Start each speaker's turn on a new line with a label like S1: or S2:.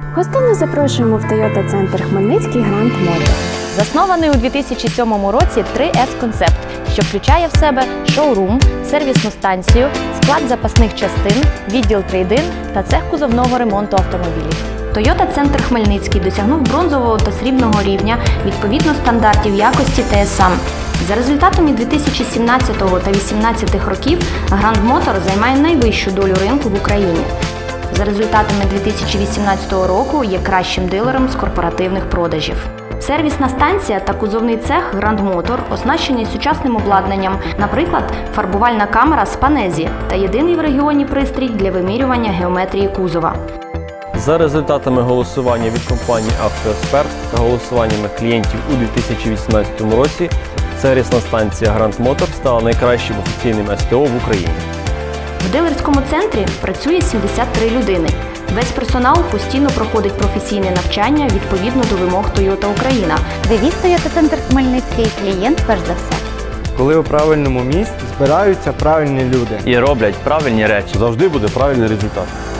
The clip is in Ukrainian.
S1: Гостинно запрошуємо в Toyota Центр Хмельницький Grand Motor.
S2: Заснований у 2007 році 3S-концепт, що включає в себе шоурум, сервісну станцію, склад запасних частин, відділ трейд-ін та цех кузовного ремонту автомобілів. Toyota Центр Хмельницький досягнув бронзового та срібного рівня відповідно стандартів якості ТСАМ. За результатами 2017 та 2018 років Grand Motor займає найвищу долю ринку в Україні. За результатами 2018 року є кращим дилером з корпоративних продажів. Сервісна станція та кузовний цех Grand Motor оснащені сучасним обладнанням, наприклад, фарбувальна камера з Панезі та єдиний в регіоні пристрій для вимірювання геометрії кузова.
S3: За результатами голосування від компанії «Автоексперт» та голосуваннями клієнтів у 2018 році сервісна станція Grand Motor стала найкращим офіційним СТО в Україні.
S2: В дилерському центрі працює 73 людини. Весь персонал постійно проходить професійне навчання відповідно до вимог Toyota Україна.
S4: Девіз Toyota Центр Хмельницький – клієнт перш за все.
S5: Коли у правильному місці збираються правильні люди.
S6: І роблять правильні речі.
S7: Завжди буде правильний результат.